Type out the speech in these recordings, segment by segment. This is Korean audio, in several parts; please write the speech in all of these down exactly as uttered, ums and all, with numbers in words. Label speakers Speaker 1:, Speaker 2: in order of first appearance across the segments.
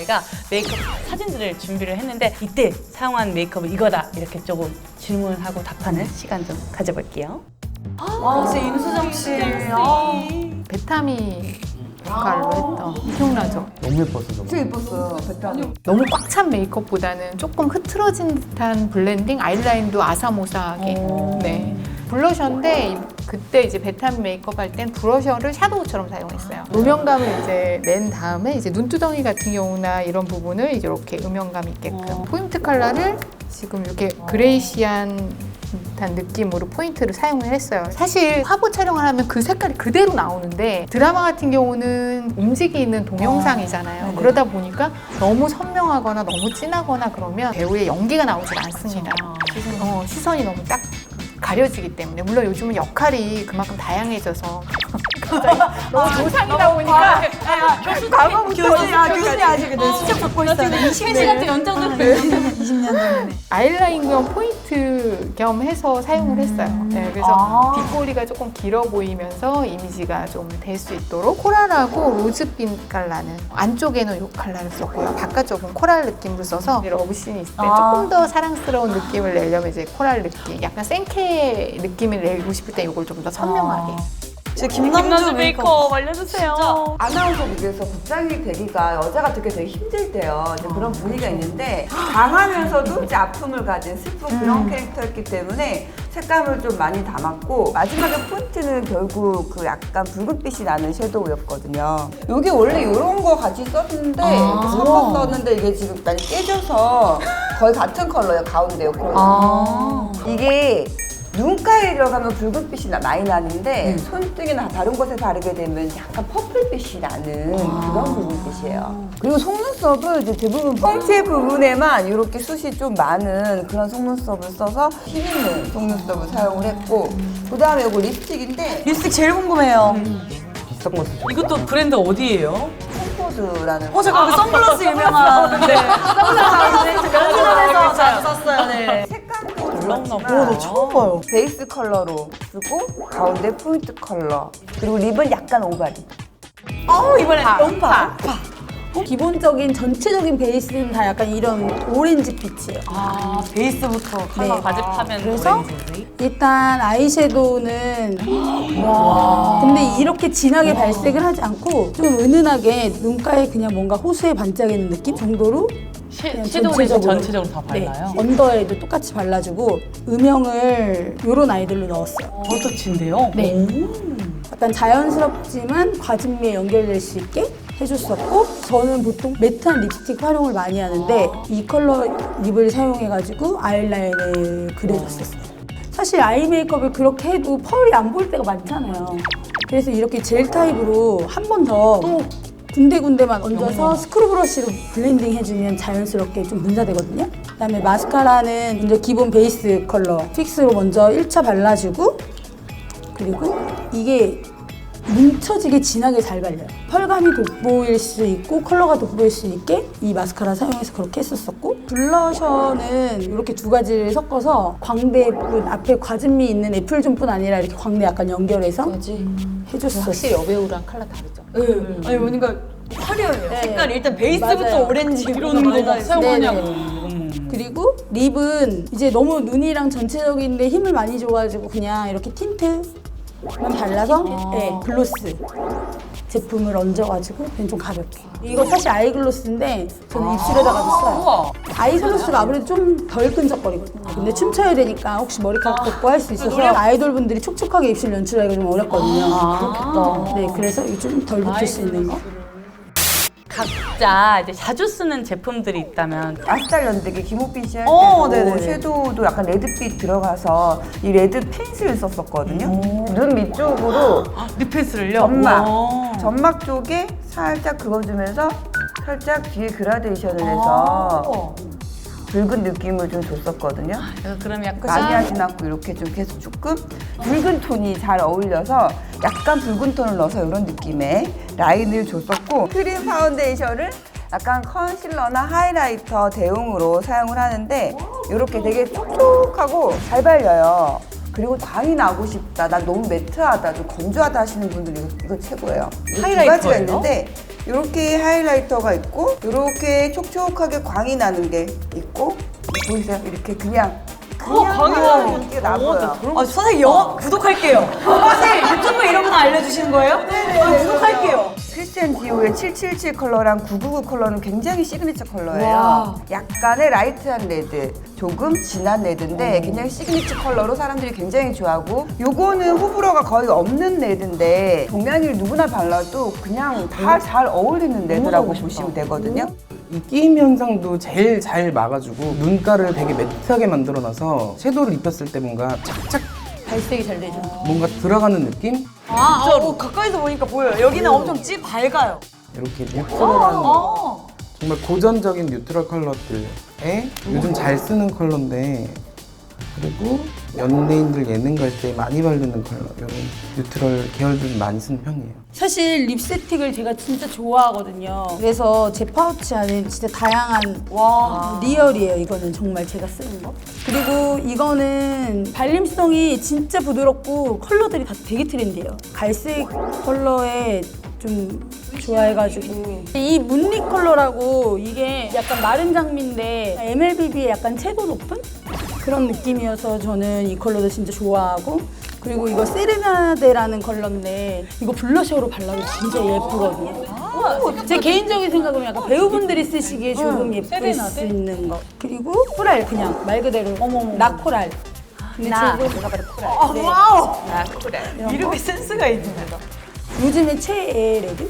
Speaker 1: 저희가 메이크업 사진들을 준비를 했는데 이때 사용한 메이크업은 이거다 이렇게 조금 질문하고 답하는 시간 좀 가져볼게요.
Speaker 2: 와, 진짜 임수정 씨. 아.
Speaker 3: 베타미 역할로 했던 기억나죠?
Speaker 4: 너무 예뻤어 정말.
Speaker 2: 진짜 예뻤어요, 베타니.
Speaker 3: 너무 꽉 찬 메이크업보다는 조금 흐트러진 듯한 블렌딩, 아이라인도 아사모사하게. 네. 블러셔인데 그때 이제 베타민 메이크업 할 땐 브러셔를 샤도우처럼 사용했어요. 음영감을 이제 낸 다음에 이제 눈두덩이 같은 경우나 이런 부분을 이제 이렇게 음영감 있게끔 포인트 컬러를 지금 이렇게 그레이시한 듯한 느낌으로 포인트를 사용을 했어요. 사실 화보 촬영을 하면 그 색깔이 그대로 나오는데 드라마 같은 경우는 움직이는 동영상이잖아요. 그러다 보니까 너무 선명하거나 너무 진하거나 그러면 배우의 연기가 나오질 않습니다. 어, 시선이 너무 딱 가려지기 때문에 물론 요즘은 역할이 그만큼 다양해져서 갑자기 너무 조상이다 보니까
Speaker 2: 과거부터 교수야, 교수님 아직 근데 수첩 받고 있어요. 이십 년
Speaker 1: 연장들
Speaker 2: 이십 년 전에.
Speaker 3: 아이라인 겸 포인트 겸 해서 사용을 했어요. 네, 그래서
Speaker 2: 아.
Speaker 3: 빗꼬리가 조금 길어 보이면서 이미지가 좀 될 수 있도록 코랄하고 로즈빛 컬러는 안쪽에는 이 컬러를 썼고요. 바깥쪽은 코랄 느낌으로 써서 러브씬이 있을 때
Speaker 2: 아.
Speaker 3: 조금 더 사랑스러운 느낌을 내려면 이제 코랄 느낌, 약간 생케 느낌을 내고 싶을 때 이걸 좀 더 선명하게.
Speaker 2: 진짜
Speaker 1: 김남주
Speaker 2: 김남주
Speaker 1: 메이크업 알려주세요.
Speaker 5: 아나운서국에서 국장이 되기가 여자가 되게 되게 힘들 때요. 이제 그런 분위기가 있는데 강하면서도 이제 아픔을 가진 슬픈 그런 캐릭터였기 때문에 색감을 좀 많이 담았고 마지막에 포인트는 결국 그 약간 붉은빛이 나는 섀도우였거든요. 이게 원래 이런 거 같이 썼는데 이렇게 섞어 썼는데 이게 지금 많이 깨져서 거의 같은 컬러예요. 가운데요.
Speaker 2: 아.
Speaker 5: 이게 눈가에 들어가면 붉은빛이 나- 많이 나는데 손등이나 다른 곳에 바르게 되면 약간 퍼플빛이 나는 그런 붉은빛이에요. 그리고 속눈썹은 이제 대부분 펑체 부분에만 이렇게 숱이 좀 많은 그런 속눈썹을 써서 힘 있는 속눈썹을 사용을 했고 그 다음에 이거 립스틱인데
Speaker 2: 립스틱 제일 궁금해요.
Speaker 4: 비싼 거 쓰죠.
Speaker 1: 이것도 브랜드 어디예요?
Speaker 5: 콤포드라는
Speaker 2: 어, 잠깐, 그 선글라스 유명한. 네. 선글라스 면세점에서 자주 썼어요, 네.
Speaker 5: 색감도
Speaker 1: 올라오나
Speaker 2: 오,
Speaker 1: 보다.
Speaker 2: 너 처음 봐요.
Speaker 5: 베이스 컬러로 쓰고 가운데 포인트 컬러 그리고 립은 약간 오바리.
Speaker 2: 어, 이번엔
Speaker 1: 파,
Speaker 2: 음파. 기본적인 전체적인 베이스는 다 약간 이런 오렌지 빛이에요.
Speaker 1: 아, 베이스부터 컬러
Speaker 2: 네.
Speaker 1: 가집하면
Speaker 2: 그래서
Speaker 1: 오렌지.
Speaker 2: 일단 아이섀도우는 와. 근데 이렇게 진하게 발색을 하지 않고 좀 은은하게 눈가에 그냥 뭔가 호수에 반짝이는 느낌 정도로
Speaker 1: 시-
Speaker 2: 그냥
Speaker 1: 섀도우를
Speaker 2: 전체적으로.
Speaker 1: 전체적으로 다 발라요?
Speaker 2: 네. 언더에도 똑같이 발라주고 음영을 요런 아이들로 넣었어요.
Speaker 1: 버터치인데요?
Speaker 2: 네. 약간 자연스럽지만 과즙미에 연결될 수 있게 해줬었고 저는 보통 매트한 립스틱 활용을 많이 하는데 이 컬러 립을 사용해가지고 아이라인을 그려줬었어요. 사실 아이 메이크업을 그렇게 해도 펄이 안 보일 때가 많잖아요. 그래서 이렇게 젤 타입으로 한 번 더 또 군데군데만 얹어서 스크루 브러쉬로 블렌딩 해주면 자연스럽게 좀 분사되거든요. 그다음에 마스카라는 이제 기본 베이스 컬러 픽스로 먼저 일 차 발라주고 그리고 이게 뭉쳐지게 진하게 잘 발려요. 펄감이 돋보일 수 있고 컬러가 돋보일 수 있게 이 마스카라 사용해서 그렇게 했었었고 블러셔는 이렇게 두 가지를 섞어서 광대뿐 앞에 과즙미 있는 애플존뿐 아니라 이렇게 광대 약간 연결해서 해줬었어요.
Speaker 3: 확실히 여배우랑 컬러 다르죠.
Speaker 2: 네.
Speaker 6: 아니 보니까 화려해요.
Speaker 2: 네.
Speaker 6: 색깔이 일단 베이스부터
Speaker 2: 맞아요.
Speaker 6: 오렌지
Speaker 1: 이런 거 막 사용하냐고.
Speaker 2: 네네. 그리고 립은 이제 너무 눈이랑 전체적인데 힘을 많이 줘가지고 그냥 이렇게 틴트만 발라서 네, 글로스 제품을 얹어가지고 그냥 좀 가볍게. 이거 사실 아이글로스인데 저는 입술에다가도 써요.
Speaker 1: 우와.
Speaker 2: 아이글로스가 아무래도 좀 덜 끈적거리거든요. 근데 춤춰야 되니까 혹시 머리카락 덮고 할 수 있어서 아이돌 분들이 촉촉하게 입술 연출하기가 좀 어렵거든요.
Speaker 1: 그렇겠다.
Speaker 2: 네, 그래서 이 좀 덜 붙을 수 있는 거.
Speaker 1: 각자 이제 자주 쓰는 제품들이 있다면
Speaker 5: 아스탈 연대기 김옥빈 씨 할
Speaker 2: 어,
Speaker 5: 때도
Speaker 2: 네네네.
Speaker 5: 섀도우도 약간 레드빛 들어가서 이 레드 펜슬을 썼었거든요. 눈 밑쪽으로
Speaker 1: 립펜슬을요?
Speaker 5: 점막,
Speaker 1: 우와.
Speaker 5: 점막 쪽에 살짝 그어주면서 살짝 뒤에 그라데이션을 해서 붉은 느낌을 좀 줬었거든요.
Speaker 1: 그럼
Speaker 5: 많이
Speaker 1: 약간
Speaker 5: 하진 않고 이렇게 좀 계속 조금 붉은 톤이 잘 어울려서 약간 붉은 톤을 넣어서 이런 느낌의 라인을 줬었고 크림 파운데이션을 약간 컨실러나 하이라이터 대용으로 사용을 하는데 이렇게 되게 촉촉하고 잘 발려요. 그리고 광이 나고 싶다, 나 너무 매트하다, 좀 건조하다 하시는 분들 이거, 이거 최고예요. 이거 두 가지가
Speaker 6: 하이라이터예요?
Speaker 5: 있는데 이렇게 하이라이터가 있고 이렇게 촉촉하게 광이 나는 게 있고 보이세요? 이렇게 그냥
Speaker 6: 어,
Speaker 5: 그냥
Speaker 6: 광이
Speaker 5: 하는
Speaker 6: 나는
Speaker 5: 연기가 나고요.
Speaker 6: 아, 선생님 영어 구독할게요. 선생님 유튜브 이런 거 알려주시는 거예요? 네네. 구독할게요.
Speaker 5: 크리스티안 디오의 칠칠칠 컬러랑 구구구 컬러는 굉장히 시그니처 컬러예요.
Speaker 6: 와.
Speaker 5: 약간의 라이트한 레드, 조금 진한 레드인데 굉장히 시그니처 컬러로 사람들이 굉장히 좋아하고, 요거는 호불호가 거의 없는 레드인데 동양인 누구나 발라도 그냥 다 잘 어울리는 레드라고 보시면 되거든요.
Speaker 4: 이 끼임 현상도 제일 잘 막아주고 눈가를 되게 매트하게 만들어놔서 섀도우를 입혔을 때 뭔가 착착
Speaker 2: 발색이 잘 되죠.
Speaker 4: 뭔가 들어가는 느낌?
Speaker 6: 아, 어, 가까이서 보니까 보여요. 여기는 엄청 찌 밝아요.
Speaker 4: 이렇게 뉴트럴한
Speaker 6: 어.
Speaker 4: 정말 고전적인 뉴트럴 컬러들에 요즘 잘 쓰는 컬러인데, 그리고 연예인들 예능 갈 때 많이 바르는 컬러, 이런 뉴트럴 계열들 많이 쓰는 편이에요.
Speaker 2: 사실 립스틱을 제가 진짜 좋아하거든요. 그래서 제 파우치 안에 진짜 다양한 와 리얼이에요. 이거는 정말 제가 쓰는 거. 그리고 이거는 발림성이 진짜 부드럽고 컬러들이 다 되게 트렌디해요. 갈색 컬러에 좀 좋아해가지고 이 문리 컬러라고, 이게 약간 마른 장미인데 엠엘비비에 약간 채도 높은 그런 느낌이어서 저는 이 컬러도 진짜 좋아하고, 그리고 이거 세레나데라는 컬러인데 이거 블러셔로 발라도 진짜 예쁘거든요. 제 개인적인 생각은 약간 배우분들이 쓰시기에 조금 예쁠 수 있는 거. 그리고 코랄, 그냥 말 그대로 나코랄. 근데
Speaker 1: 나.
Speaker 2: 저도 제가 바로 코랄.
Speaker 6: 아,
Speaker 2: 네.
Speaker 6: 와우.
Speaker 1: 나 그래.
Speaker 2: 이런 거.
Speaker 6: 이름에 센스가 있습니다.
Speaker 2: 요즘에 최애 레드?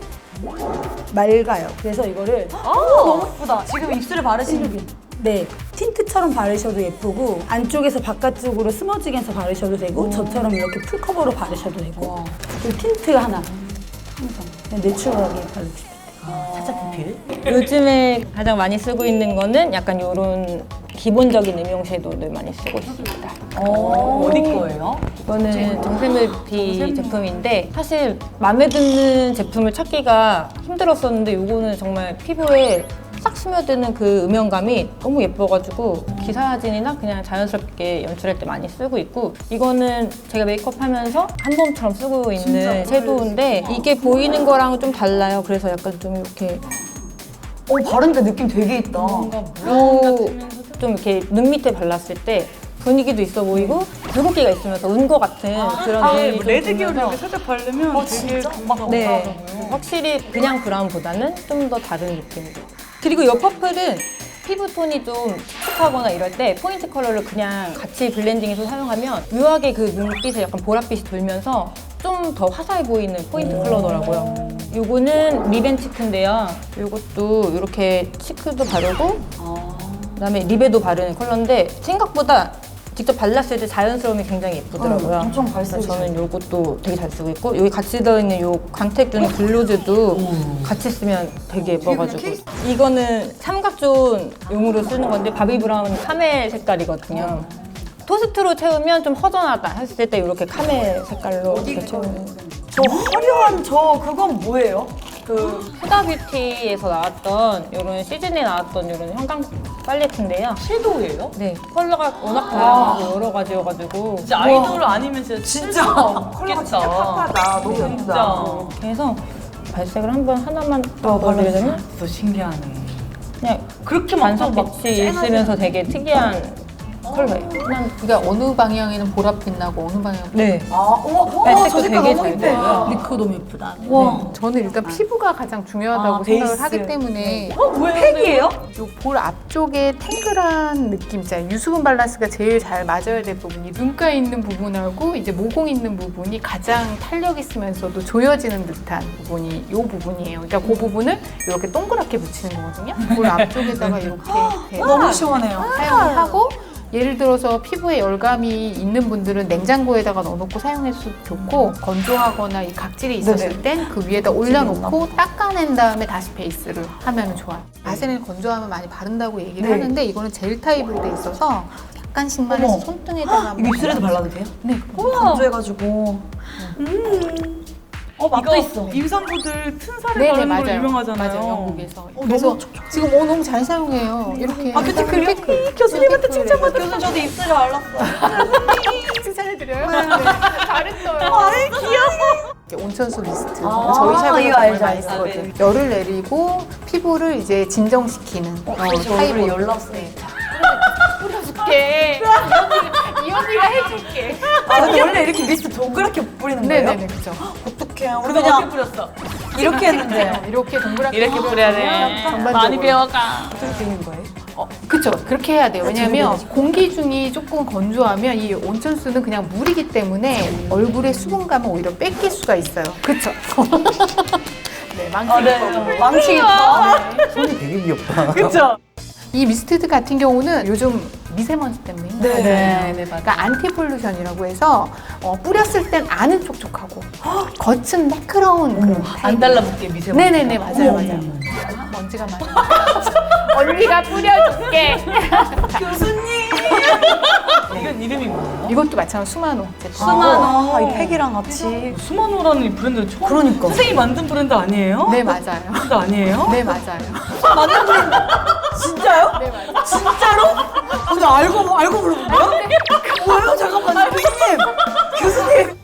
Speaker 2: 맑아요. 그래서 이거를
Speaker 6: 아, 너무 예쁘다. 지금 입술에 바르시는 게.
Speaker 2: 네, 틴트처럼 바르셔도 예쁘고 안쪽에서 바깥쪽으로 스머징 해서 바르셔도 되고 저처럼 이렇게 풀커버로 바르셔도 되고, 그리고 틴트 하나 항상 그냥 내추럴하게 바르고 싶어요.
Speaker 1: 살짝 디필.
Speaker 7: 요즘에 가장 많이 쓰고 있는 거는 약간 이런 기본적인 음영 섀도우를 많이 쓰고 있습니다.
Speaker 1: 어, 어디 거예요?
Speaker 7: 이거는 정샘뮤비 제품인데 사실 마음에 드는 제품을 찾기가 힘들었었는데 이거는 정말 피부에 싹 스며드는 그 음영감이 너무 예뻐가지고 기사 사진이나 그냥 자연스럽게 연출할 때 많이 쓰고 있고, 이거는 제가 메이크업 하면서 한 봄처럼 쓰고 있는 섀도우인데 이게 보이는 거랑은 좀 달라요. 그래서 약간 좀 이렇게
Speaker 6: 어, 바르니까 느낌 되게 있다.
Speaker 7: 오, 좀 이렇게 눈 밑에 발랐을 때 분위기도 있어 보이고 붉은기가 있으면서 은 것 같은 그런
Speaker 1: 아,
Speaker 7: 느낌이 좀
Speaker 1: 레드 계열을
Speaker 7: 들면서
Speaker 1: 이렇게 살짝 바르면
Speaker 6: 어,
Speaker 1: 되게
Speaker 6: 진짜?
Speaker 1: 막
Speaker 7: 네, 확실히 그냥 브라운보다는 좀 더 다른 느낌이고, 그리고 이 퍼플은 피부톤이 좀 칙칙하거나 이럴 때 포인트 컬러를 그냥 같이 블렌딩해서 사용하면 묘하게 그 눈빛에 약간 보랏빛이 돌면서 좀 더 화사해 보이는 포인트 컬러더라고요. 요거는 립앤 치크인데요. 요것도 이렇게 치크도 바르고 그다음에 립에도 바르는 컬러인데 생각보다 직접 발랐을 때 자연스러움이 굉장히 예쁘더라고요.
Speaker 6: 엄청
Speaker 7: 그래서
Speaker 6: 발색이
Speaker 7: 저는 요것도 되게 잘 쓰고 있고, 여기 같이 들어있는 요 광택 주는 글로즈도 같이 쓰면 되게 예뻐가지고, 이거는 삼각존용으로 쓰는 건데 바비 브라운 카멜 색깔이거든요. 토스트로 채우면 좀 허전하다 했을 때 이렇게 카멜 색깔로 이렇게 채우는.
Speaker 6: 저 화려한 저 그건 뭐예요?
Speaker 7: 그 후다뷰티에서 나왔던 이런 시즌에 나왔던 이런 형광 팔레트인데요.
Speaker 1: 섀도우예요?
Speaker 7: 네, 컬러가 워낙 다양하고 여러 가지여가지고
Speaker 1: 진짜 아이돌 아니면 진짜
Speaker 6: 진짜
Speaker 5: 컬러가 진짜 팝하다. 너무 예쁘다.
Speaker 1: 진짜.
Speaker 7: 그래서 발색을 한번 하나만 더 바르려면
Speaker 1: 더 신기하네.
Speaker 7: 그냥
Speaker 1: 그렇게
Speaker 7: 반석
Speaker 1: 많고 막
Speaker 7: 빛이 있으면서 되게 특이한 컬러예요.
Speaker 3: 그냥 그러니까 어느 방향에는 보랏빛 나고 어느 방향은
Speaker 7: 네.
Speaker 6: 아, 어머, 어머,
Speaker 7: 발색도
Speaker 6: 저 색깔
Speaker 7: 되게
Speaker 6: 너무
Speaker 7: 잘
Speaker 6: 예뻐.
Speaker 7: 돼요.
Speaker 2: 근데 그거 너무 예쁘다.
Speaker 3: 와, 저는 일단 피부가 가장 중요하다고
Speaker 1: 아,
Speaker 3: 생각을
Speaker 1: 베이스.
Speaker 3: 하기 때문에
Speaker 6: 어, 뭐예요? 팩이에요?
Speaker 3: 요 볼 앞쪽에 탱글한 느낌 있잖아요. 유수분 밸런스가 제일 잘 맞아야 될 부분이 눈가 있는 부분하고 이제 모공 있는 부분이 가장 탄력 있으면서도 조여지는 듯한 부분이 요 부분이에요. 그러니까 그 부분을 이렇게 동그랗게 붙이는 거거든요. 볼 앞쪽에다가 이렇게
Speaker 6: 너무 시원해요.
Speaker 3: 사용을 하고, 예를 들어서 피부에 열감이 있는 분들은 냉장고에다가 넣어놓고 사용해도 좋고, 건조하거나 이 각질이 있었을 땐 그 위에다 올려놓고 닦아낸 다음에 다시 베이스를 하면 좋아요. 바세린 건조하면 많이 바른다고 얘기를
Speaker 6: 네.
Speaker 3: 하는데 이거는 젤 타입으로 돼 있어서 약간씩만 해서
Speaker 6: 어머.
Speaker 3: 손등에다가
Speaker 6: 이거 입술에도 발라도 돼요? 네. 건조해가지고.
Speaker 1: 어,
Speaker 6: 맛도 있어.
Speaker 1: 임산부들 튼살에
Speaker 3: 네네,
Speaker 1: 바르는 걸로
Speaker 3: 맞아요.
Speaker 1: 유명하잖아요.
Speaker 3: 맞아요, 영국에서.
Speaker 6: 어,
Speaker 3: 그래서
Speaker 6: 너무
Speaker 3: 지금 어, 너무 잘 사용해요. 이렇게.
Speaker 6: 아, 큐티클이요?
Speaker 3: 큐티클.
Speaker 6: 교수님한테
Speaker 3: 큐티클이에요.
Speaker 6: 칭찬받았어. 교수님 저도 입술에 발랐어요.
Speaker 3: 추천해드려요? 네. 잘했어요. 아이 귀여워. 온천수 미스트.
Speaker 6: 아,
Speaker 3: 저희 샵에서
Speaker 6: 이거
Speaker 3: 정말
Speaker 6: 알죠,
Speaker 3: 많이
Speaker 6: 알죠.
Speaker 3: 쓰거든요. 열을 내리고 피부를 이제 진정시키는 어, 타입으로.
Speaker 6: 열났어요.
Speaker 3: 뿌려줄게. 이 언니가, 이 언니가 해줄게.
Speaker 6: 아, 근데 원래 이렇게 미스트 동그랗게 뿌리는 거예요?
Speaker 3: 네네네, 그죠.
Speaker 6: 어떡해. 우리
Speaker 1: 우리가
Speaker 6: 그냥
Speaker 1: 어떻게 뿌렸어?
Speaker 6: 이렇게 했는데.
Speaker 3: 이렇게 동그랗게
Speaker 1: 이렇게 뿌려야 돼.
Speaker 3: 전반적으로.
Speaker 1: 많이 배워가.
Speaker 6: 어떻게 되는 거예요?
Speaker 3: 어, 그쵸. 그렇게 해야 돼요. 왜냐면 공기 중이 조금 건조하면 이 온천수는 그냥 물이기 때문에 얼굴의 수분감을 오히려 뺏길 수가 있어요. 그쵸. 네, 망치.
Speaker 6: 아, 네. 망치겠다.
Speaker 4: 손이 되게 귀엽다.
Speaker 1: 그쵸?
Speaker 3: 이 미스트 같은 경우는 요즘 미세먼지 때문에 힘들어요.
Speaker 6: 네, 네,
Speaker 1: 네, 맞아요.
Speaker 3: 그러니까 안티폴루션이라고 해서 어, 뿌렸을 땐 안은 촉촉하고 겉은 매끄러운 그런
Speaker 1: 안
Speaker 3: 타입.
Speaker 1: 달라붙게 미세먼지.
Speaker 3: 네네네, 맞아요, 맞아요. 먼지가 많아. 언니가 뿌려줄게.
Speaker 1: 이건 이름이 뭐예요?
Speaker 3: 이것도 마찬가지로 수마노 제품.
Speaker 6: 수마노. 아, 이 팩이랑 같이.
Speaker 1: 수마노라는 이 브랜드 처음.
Speaker 6: 그러니까.
Speaker 1: 선생님이 만든 브랜드 아니에요?
Speaker 3: 네, 맞아요.
Speaker 1: 브랜드 아니에요?
Speaker 3: 네, 맞아요.
Speaker 6: 진짜요?
Speaker 3: 네, 맞아요.
Speaker 6: 진짜로? 근데 알고, 알고 물어본 거야? 뭐예요? 잠깐만, 교수님! 교수님!